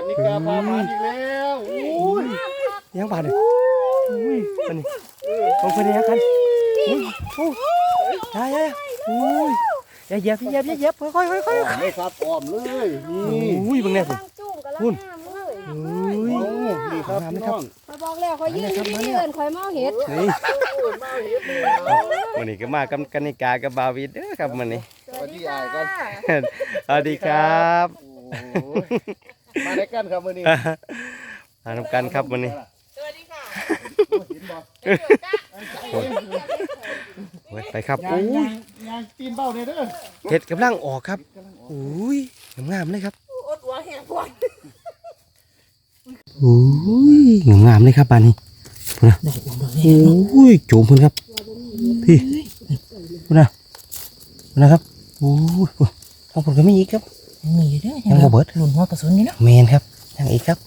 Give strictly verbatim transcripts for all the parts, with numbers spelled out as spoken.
นิกาพามาอีกแล้วโอ้ยยังบาดเลยอุ้ยอันนี้ลงไปเลยกันอุ้ยโอ้ยยายยายอุ้ยอย่าเหยียบอย่าเหยียบอย่าเหยียบค่อยค่อยค่อยค่อยไม่ครับอ้อมเลยนี่อุ้ยบังเนี่ยคุณอุ้ยนี่ครับพี่น้องคอยบอกแล้วคอยยืนที่นี่เอินคอยเมาเห็ดนี่มาเห็ดเลยวันนี้ก็มากับกันนิกากับบาวิดเด้อครับวันนี้สวัสดีอายกันสวัสดีครับมาได้กันครับวันนี้มาทำกันครับวันนี้สวัสดีค่ะโอ้ยไปครับยางอุ้ยยางตีนเบ้าเนี่ยเด้อเห็ดกำลังออกครับอุ้ยงามๆเลยครับอดหัวแหงปวดอุ้ยงามๆเลยครับบานนี้พุ่นนะอุ้ยโจมพุ่นครับพี่พุ่นนะพุ่นนะครับอุ้ยทางพุ่นก็มีอีกครับมีอยู่ด้วยยังบ่เบิดหลุนหัวกระสุนนี่เนาะแมนครับยังอีกครับ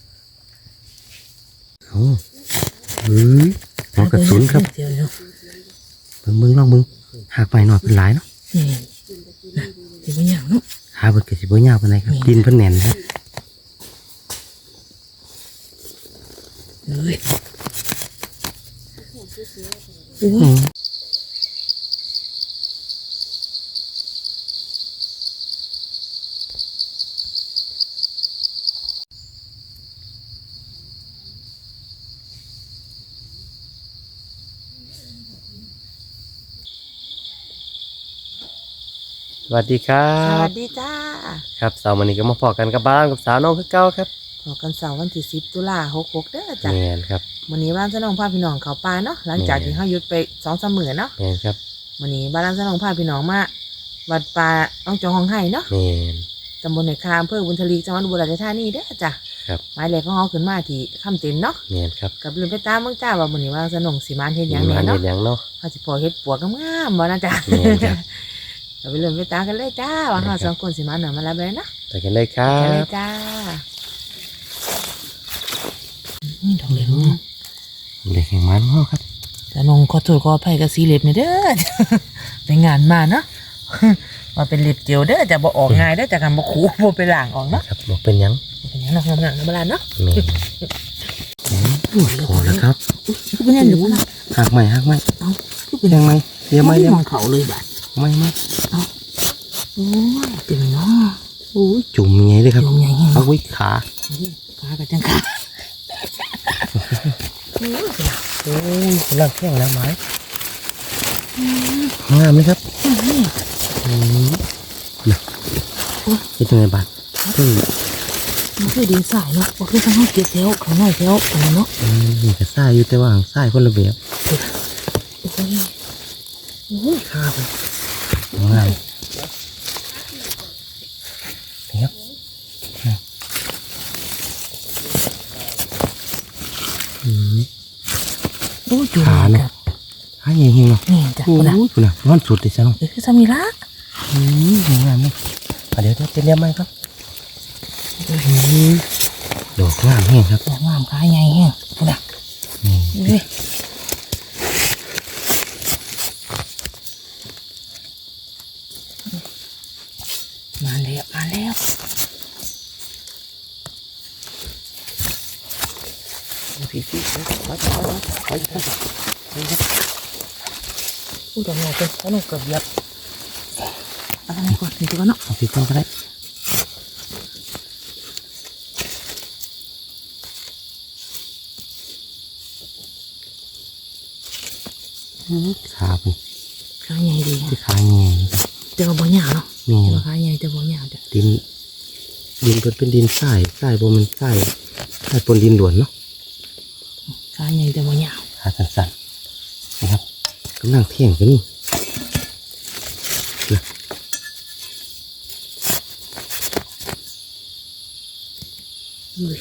โอ้เฮ้ยหัวกระสุนครับเบิ่งเบิ่งลองเบิ่งหากไปหน่อยเป็นหลายเนาะนี่สิบ่หยังเนาะหาเบิดก็สิบ่ยาวปานใดครับดินเพิ่นแน่นครับเอ้ยอืมสวัสดีครัสวับสดีจ้าครับเสาร์วันนี้ก็มาพอกันกับบ้านกับสาวน้องคือเก่าครับพอกันเสาร์วันที่สิบตุลาหกหกเด้อจ้ะแมนครับวันนี้บ้านสนองพาพี่น้องเขาป่าเนาะหลังจากที่เขาหยุดไปสองสามมื้อเนาะแมนครับวันนี้บ้านสนองพาพี่น้องมาวัดป่าอ่องจองห้องไห้เนาะแมนตำบลในคามอำเภอบุญทลีจังหวัดอุบลราชธานีเด้อจ้ะครับหมายเลขของเขาขึ้นมาที่คำเต็นเนาะแมนครับกับลืมไปตามเมืองจ้าว่าวันนี้ว่าสนองสีมานเฮ็ดหยังมีแหน่มันเนาะเห็นยังเนาะเขาสิพอเฮ็ดปวกงามๆบ่นะจ้ะแม่นครับเราไปเริ่มไปตามกันเลยจ้าว่าเราสองคนสิมาหน่อยมาแล้วเลยนะไปกันเลยครัไปเลยบจ้านี่ดอกเหลืองเด็กแห่งมันเฮาครับสนองขอโทษขออภัยกับสีเล็บนี่เด้อ ไปงานมาเนาะ มาเป็นเล็บเจียวเด้อจะบ่ออกง่ายเด้อจะกันบ่ขู่บ่ไปล้างออกเนาะครับบอกเป็นหยังเป็นหยังเนาะงามๆนะบ่ล่ะเนาะแม่นโอ้ยพอแล้วครับคือเป็นหยังอยู่บ่ล่ะหักไหมหักไหมเอ้าคือเป็นยังไงเดี๋ยวไหมไม่เดี๋ยวมองเขาเลยบัดไหมไหมโอ้ยเต็มเนาะโอ้ยจุ่มยังไงเลยครับจุ่มใหญ่แฮงเอาไว้ขาขากับจังขาโอ้ยโอ้ยกำลังแข้งน้ำไม้งามเลยครับอืมน่ะเป็นยังไงบาดเฮ้ยมันคือดินสายเนาะบ่คือทางเฮาเก็บแถวข้างนอกแถวอันนั้นเนาะอืมนี่ก็ซ่าอยู่แต่ว่าหางซ่ายคนละแบบโอ้ยโอ้ยขาไปงามนี่ครับอืมโอ้ยจุ่มขาเนาะขาใหญ่เฮงเนาะนี่จ้ะโอ้พุ่นน่ะยพุ่นน่ะร้อนสุดเลยซะเนาะเอ้ยคือซามิระอืมสวยงามเลยอ่ะเดี๋ยวเดี๋ยวจะเรียกไหมครับอืมดอกงามแห้งครับดอกงามขาใหญ่แฮงพุ่นน่ะนี่เอ้ยมาแล้วมาแล้วพี่พี่ไปไปไปไปไปไปอู้ดอกใหญ่เป็นแล้วหนูเกือบเหยียบเอะไรก่อนถึงตัวเนาะเอาพี่ต้นก็ได้ขาเป็นขาใหญ่ดีที่ขาแง่แต่ว่าบ่ยาวเนาะนี่แต่ว่าขาใหญ่แต่บ่ยาวจ้ะดินดินเป็นเป็นดินทรายทรายบนมันทรายทรายปนดินหลวนเนาะขาใหญ่แต่บ่ยาวขาสั้นๆนะครับกำลังเที่ยงกันนี่นะเอ้ย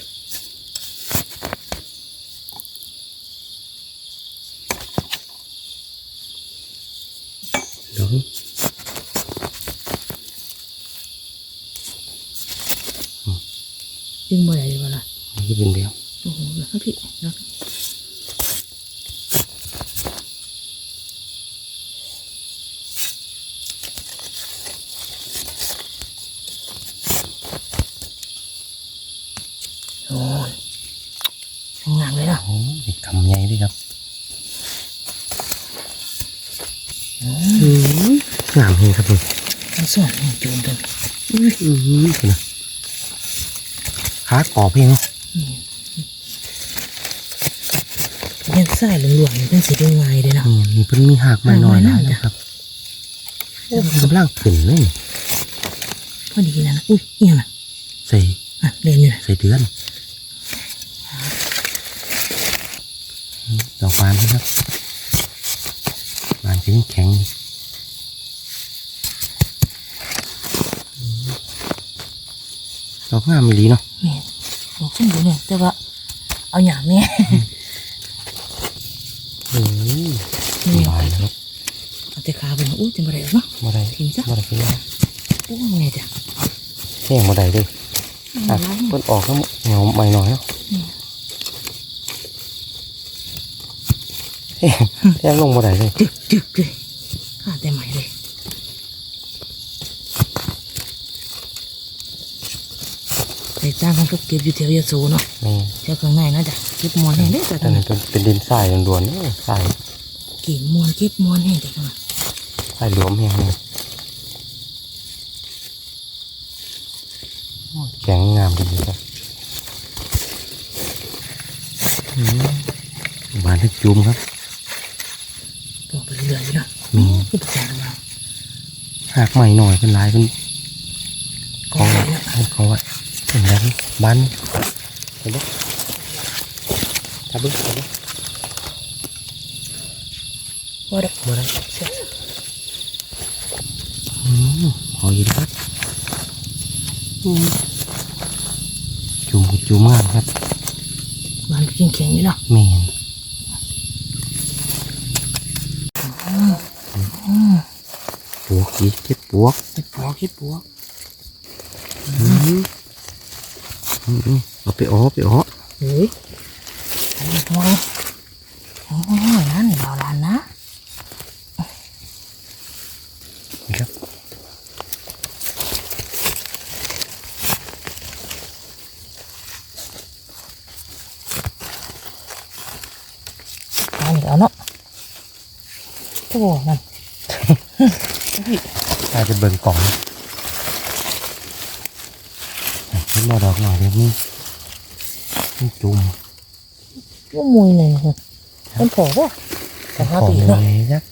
เดี๋ยวดึงบ่ได้เลยบ่ล่ะนี่เป็นเดียวโอ้โหแล้วพี่แล้วออ้ยกำใหญ่เลยครับงามเฮงครับผมทั้งสองนี่โจมกันอือหือนะขากรอบเองเนาะยังใส่หลวงๆเป็นสีแดงไวเลยเนาะนี่นี่เพิ่นมีหากไม่น้อยนะนะครับโอ้กำลังขึ้นเลยพอดีนะนะอุ้ยเอียงนะใส่อ่ะเรียนอยู่นะใส่เดือนดอกบานนะครับบานก็ยังแข็งดอกงามไม่ดีเนาะแม่บอกขึ้นอยู่เนี่ยแต่ว่าเอาอย่างเนี้ยโอ้ยนี่บานนะครับเอาแต่ขาไปนะอุ้ยจะมาได้เนาะมาได้กินซะมาได้กินนะอุ้ยไงจ้ะแห้งมาได้เลยอ่ะเพิ่นออกแล้วเหงาใหม่หน่อยเนาะแห้งแห้งลงมาได้เลยจึกจึกเลยขาดแต่ใหม่เลยแต่จ้างกันก็เก็บอยู่แถวยาสูเนาะนี่แถวข้างในนะจ๊ะเก็บมวนแห้งได้จ้ะอันนี้เป็นเป็นดินทรายล้วนๆนี่ทรายเก็บมวนเก็บมวนแห้งจ้ะกันทรายหลวมแห้งเลยโอ้ยแข็งงามดีครับอืมบานทึกจุ่มครับบอกไปเรื่อยๆอยู่เนาะมีคือประจานเราหากใหม่หน่อยเป็นลายเป็นกองไว้นะให้เขาไว้เป็นแล้วบ้านเห็นไหมทับบึ้งเห็นไหมว่าได้บ่ได้เสียอืมหอยครับอืมจุ่มจุ่มงามครับมันก็แข็งๆอยู่เนาะเมนปวกอีกเก็บปวกเก็บปวกเก็บปวกอืมอืมเอาไปอ้อไปอ้อเฮ้ยโอ้ยโอ้ยโอ้ยนั่นเบาลานนะนี่ครับเอาเอาเนาะโอ้นั่นอาจจะเบิ่งกล่องนี่มาดอกหน่อยเดี๋ยวนี้นี่จุ่มว่ามวยเลยนะเป็นผอป่ะแต่ห้าของปีเลเนาะยจัก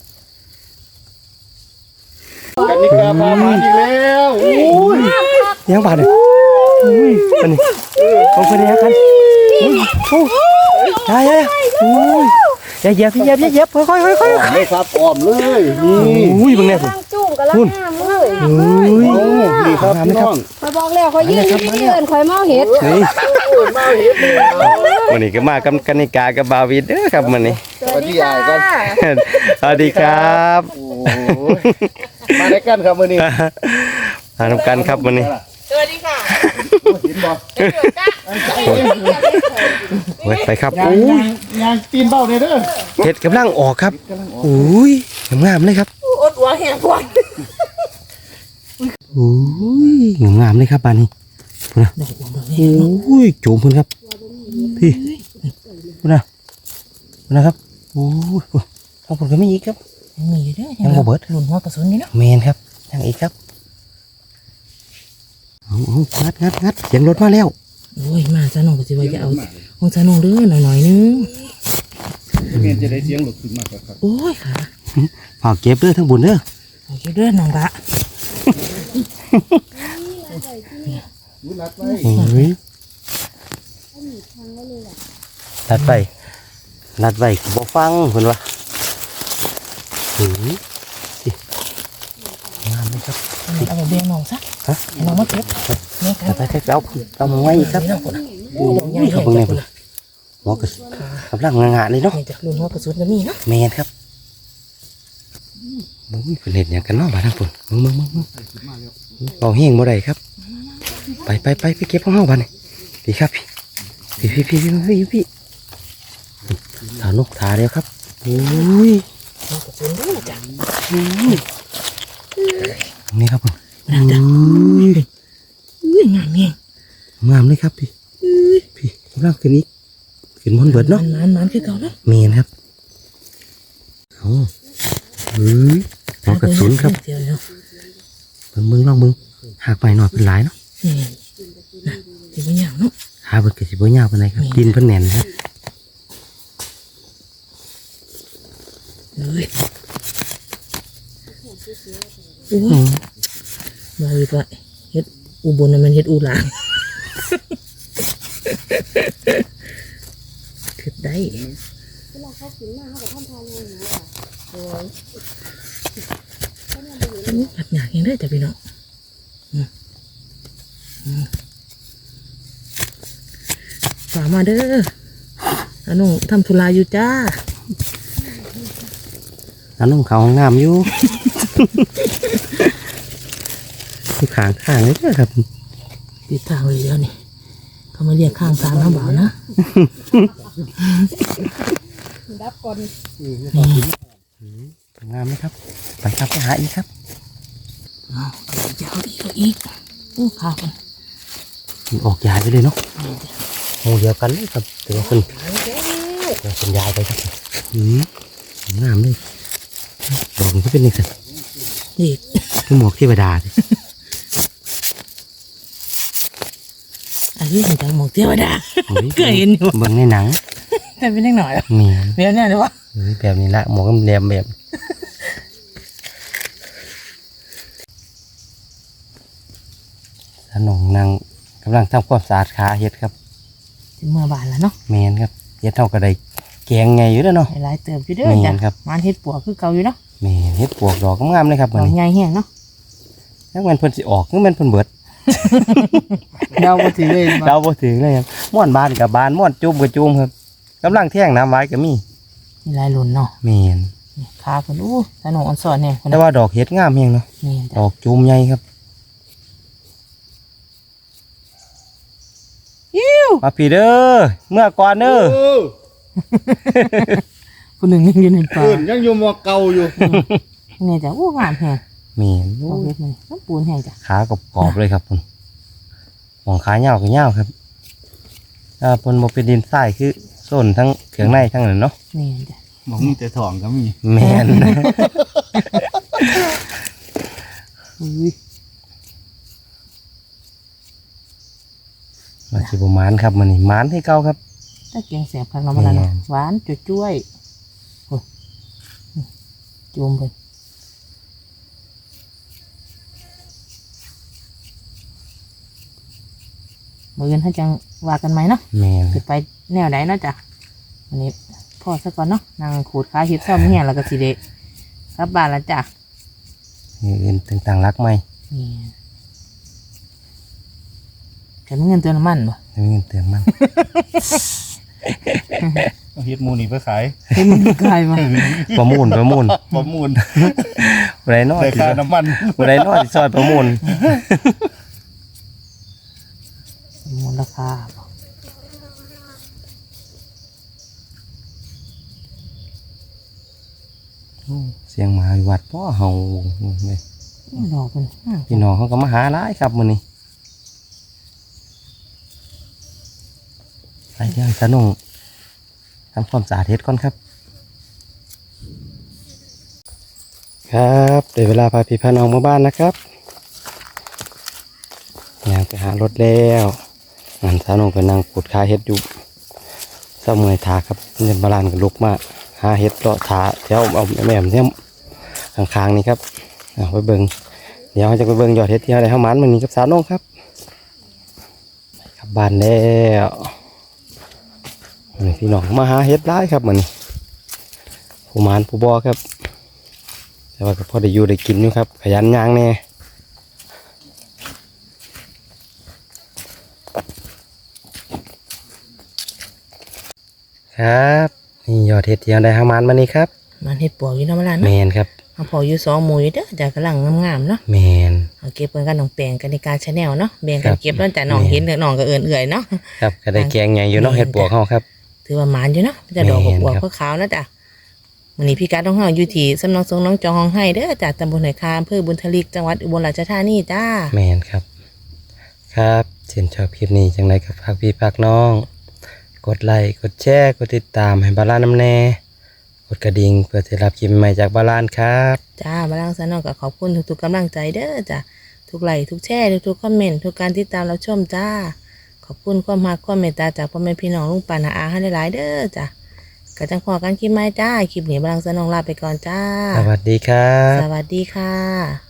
กันนิกาพามาอีกแล้วโอ้ยยังบาดเลยอุ้ยอันนี้เอาไปเลยกันอุ้ยโอ้ยยายยายอุ้ยอย่าเหยียบพี่เหยียบอย่าเหยียบค่อยค่อยค่อยค่อยอ้อมเลยครับอ้อมเลยนี่อุ้ยมึงเนี่ยกำลังจุ่มกำลังงามเลยอุ้ยโอ้นี่ครับพี่น้องคอยบอกแล้วคอยยืนที่นี่เอินคอยเมาเห็ดนี่โอ้ยมาเห็ดเลยวันนี้ก็มากับกันนิกากับบาวิดเด้อครับวันนี้สวัสดียายกันสวัสดีครับโอ้ยมาได้กันครับมื้อนี้มาทำกันครับวันนี้สวัสดีค่ะเห็นบ่เว้ยไปครับยางอุ้ยยางยางตีนเบ้าเนี่ยเด้อเห็ดกำลังออกครับกำลังออกอุ้ยงามๆเลยครับอดหัวแห้งก่อนอุ้ยงามๆเลยครับบานนี้พูดนะดอกบัวดอกนี้อุ้ยโจมพุ่นครับพี่พูดนะพูดนะครับโอ้ยทางผมก็ไม่อีกครับยังมีอยู่เด้อยังบ่เบิดหลุนหัวกระสุนนี่เนาะเมนครับยังอีกครับเอาเอางัดงัดงัดเสียงรถมาแล้วโอ้ยมาซะน้องก็สิว่าจะเอาของซะน้องเด้อหน่อยๆนึงเมียนจะได้เสียงหลุดขึ้นมากครับโอ้ยค่ะฝากเก็บเด้อทั้งบุญเด้อโอเคเด้อน้องละรู้รักไว้โอ้ยนัดไปนัดไปบ่ฟังเพิ่นว่าโอ้ยสิงามเลยครับเอาไปเบี้ยน้องซะฮะให้น้องมาเก็บเนี่ยคแต่รับไปเอาเอามาไว้อีกครับนี่น้องคนน่ะโอ้ยครับเบิ่งแน่เพิ่นหัวกระสุนกำลังงะๆเลยเนาะนี่จากหลุนหัวกระสุนก็มีเนาะแมนครับมึงเป็นเห็ดอย่างกันเนาะบ้านทั้งปุ่นมึงมึงมึงมึงเอาเฮงบ่ได้ครับ ไปไปไปไปเก็บของเฮาบ้านนี่พี่ครับพี่พี่พี่พี่พี่พี่พี่ถานกถาเดียวครับโอ้ยหัวกระสุนเด้อจ้ะนี่ครับผมนั่นจ้ะอุ้ยงามแฮงงามเลยครับพี่พี่กำลังขึ้นอีกขึ้นบนเบิดเนาะมันมันมันคือเก่าเนาะเมนครับเอาเฮ้ยหัวกระสุนครับเดี๋ยวเดี๋ยวเบิ่งเบิ่งลองเบิ่งหากไปหน่อยเป็นหลายเนาะนี่นะที่บ่อย่างเนาะหาเบิ่งก็สิบ่ยาวปานใดครับดินเพิ่นแน่นครับเอ้ยโอ้อืมมาอีกว่าเฮ็ดอุบลน่ะมันเฮ็ดอูหลางคือได้อันนี้ผัดหยากยังได้จ้ะพี่น้องอืมอืมฝากมาเด้ออันน้องทำธุระอยู่จ้าอันน้องเขาห้องน้ำอยู่ ที่ขางข้างเลยเด้อครับติดทางเลยเดี๋ยวนี่เขามาเรียกข้างทางนะบ่าวนะดับก่อนงามไหมครับไปครับไปหาอีกครับเอาเดี๋ยวเอาอีกเอาอีกอู้ข้าวกันออกยายไปเลยเนาะนี่จ้ะโอ้เดียวกันเลยครับแต่ว่าคนเดี๋ยวคนยายไปครับอืมงามเลยดอกมันก็เป็นยังไงนี่คือหมวกเทวดาสิอันนี้ถึงจังหมกเทวดาโอ้ยเคยเห็นอยู่เบิ่งในหนังแต่เป็นเล็กหน่อยอ่ะนี่เดี๋ยวเนี่ยเดี๋ยววะเฮ้ยแบบนี้ละหมวกกำแดมแบบสนองนางกำลังทำความสะอาดขาเฮ็ดครับถึงเมื่อบานแล้วเนาะแมนครับเฮ็ดเท่ากับได้แกงไงอยู่แล้วเนาะหลายๆเติบอยู่เด้อแม่จ้ะนครับมันเฮ็ดปัวคือเก่าอยู่เนาะแมนเฮ็ดปวกดอกงามๆเลยครับดมันอกนี้ใหญ่แห้งเนาะแล้วมันเพิ่นสิออกคือมันเพิ่นเบิดเดาบ่ถือเลยเราบ่ถึงเลยครับม่วนบานกับบานม่วนจุ่มกับจุ่มครับกำลังแท่งน้ำไว้ก็มีมีหลายหล่นเนาะแมนนี่ขาเพิ่นอู้สนุกอ่อนสอนเนี่ยแต่ว่าดอกเฮ็ดงามแฮงเนาะนี่ดจ้ะอกจุ่มใหญ่ครับมาพี่เด้อเมื่อก่อนเด้อเออผู้หนึ่งยังอยู่ในป่าเพื่อนยังอยู่หมอเก่าอยู่นี่จ้ะอู้งามแฮงแมนดอกเฮ็ดมันน้ำปูนแห้งจ้ะขากรอบๆเลยครับคุณหมองขาเหย้าก็เหย้าครับถ้าเพิ่นบ่เป็นดินทรายคือส้นทั้งเครื่องในทั้งนั้นเนาะนี่จ้ะหมองมีแต่ถ่องก็มีแมนอุ้ยมาสิบ่หมานครับมื้อนี้หมานให้เก่าครับถ้าเกียงแสบข้างนอกมันละแม่เนาะนหวานจุ้ยๆโอ้จุ่มเพิ่นมื้ออื่นถ้าจังว่ากันไหมเนาะแมนสิไปแนวไหนเนาะจ้ะวันนี้พ่อซะก่อนเนาะนางขูดขาเฮ็ดซ่อมเฮียแล้วก็สิเดะกลับบ้านแล้วจ้ะนี่อื่นต่างๆรักไหมนี่กันเงินเติมน้ำมันบ่ไม่มีเงินเติมมันเอาเฮ็ดหมูนี่ไปขายเห็นมันกลายมาประมูลประมูลประมูลบ่ได้น้อยได้สิค่าน้ำมันบ่ได้น้อยสิซอยประมูลมูลค่าบ่เสียงหมาอยู่วัดพ่อเฮาเลยดอกเป็นห้างพี่น้องเขาก็มาหาหลายครับมื้อนี้ไปเดี๋ยวสนุกทำความสะอาดเฮ็ดก่อนครับ ครับเดี๋ยวเวลาพาพี่พาน้องมาบ้านนะครับอยากไปหารถแล้วงานสาวน้องก็นั่งปวดขาเฮ็ดอยู่เศร้าเมื่อยขาครับเงินบาลานก็ลุกมาหาเฮ็ดเลาะขาแถวเอาแม่มเนี่ยข้างๆนี่ครับเอาไปเบิ่งเดี๋ยวเราจะไปเบิ่งยอดเฮ็ดที่อะไรเฮามันมันนี้กับสาวน้องครับไปกลับบ้านแล้วนี่พี่น้องมาหาเฮ็ดหลายครับมื้อนี้ผู้หมานผู้บ่ครับแต่ว่าก็พอได้อยู่ได้กินอยู่ครับขยันย่างแน่ครับนี่ยอดเห็ดที่เราได้หามันมานี่ครับมันเฮ็ดปวกอยู่เนาะมาลานแมเนาะนครับเอาพออยู่สองหมู่อยู่เด้อจ้ะกำลังงามๆเนาะแมนเอาเก็บเพิ่นกันน้องแปลงกันในการชาแนลเนาะแบ่งกัครันบเก็บแล้วจ้ะน้องแม่เห็นเด้อน้องก็เอื่อยๆเนาะครับก็ได้แกงใหญ่อยู่เนาะแม่นเห็ดปวกเขาครับถือว่าหมานอยู่เนาะจะดอกแม่นบวกครับๆขาวๆนะจ้ะวันนี้พี่การต้องเฮาอยู่ที่สำนักสงฆ์น้องจองห้องให้เด้อจากตำบลไหนคาอำเภอบุญทลิกจังหวัดอุบลราชธานีจ้าแมนครับ ครับเช่นชอบคลิปนี้จังไรกับพักพี่พักน้องกดไลค์กดแชร์กดติดตามให้บาลานน้ำแน่กดกระดิ่งเพื่อจะรับคลิปใหม่จากบาลานครับจ้าบาลังสนองก็ขอบคุณทุกๆกำลังใจเด้อจ้ะทุกไลค์ทุกแชร์ทุกๆคอมเมนต์ทุกการติดตามรับชมจ้าขอบคุณความรักความเมตตาจากพ่อแม่พี่น้องลุงป้าน้าอาให้หลายๆเด้อจ้ะก็จังพอกันคลิปใหม่จ้าคลิปนี้บาลังสนองลาไปก่อนจ้าสวัสดีครับสวัสดีค่ะ